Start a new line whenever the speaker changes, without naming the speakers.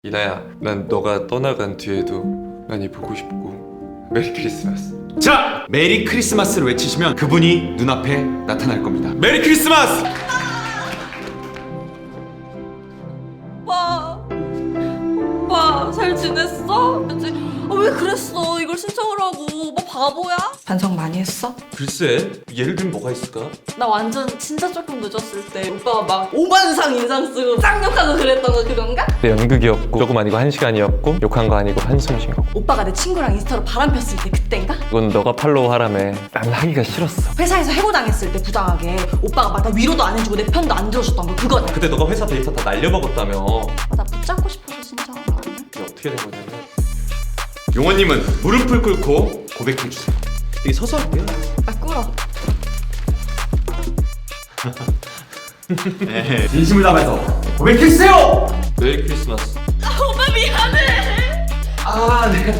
이나야, 난 너가 떠나간 뒤에도 많이 보고 싶고 메리 크리스마스.
자! 메리 크리스마스를 외치시면 그분이 눈앞에 나타날 겁니다. 메리 크리스마스!
오빠 잘 지냈어? 왜 그랬어? 이걸 신청을 하고 오빠 바보야? 반성 많이 했어?
글쎄, 예를 들면 뭐가 있을까?
나 완전 진짜 조금 늦었을 때 오빠가 막 5만상 인상 쓰고 쌍욕하고 그랬던 거 그건가?
내 연극이었고 조금 아니고 1시간이었고 욕한 거 아니고 한숨 쉰 거고
오빠가 내 친구랑 인스타로 바람 폈을 때 그땐가?
그건 너가 팔로우 하라며 난 하기가 싫었어.
회사에서 해고당했을 때 부당하게 오빠가 막 나 위로도 안 해주고 내 편도 안 들어줬던 거 그거네.
그때 너가 회사 데이터 다 날려먹었다며.
나 붙잡고 싶어서 신청한 거 아니야?
이게 어떻게 된 거냐면
용원님은 무릎을 꿇고 고백해주세요. 여기 서서 할게요.
나 꿇어.
네, 진심을 담아서 고백해주세요!
메리 크리스마스.
오빠 미안해.
아, 네.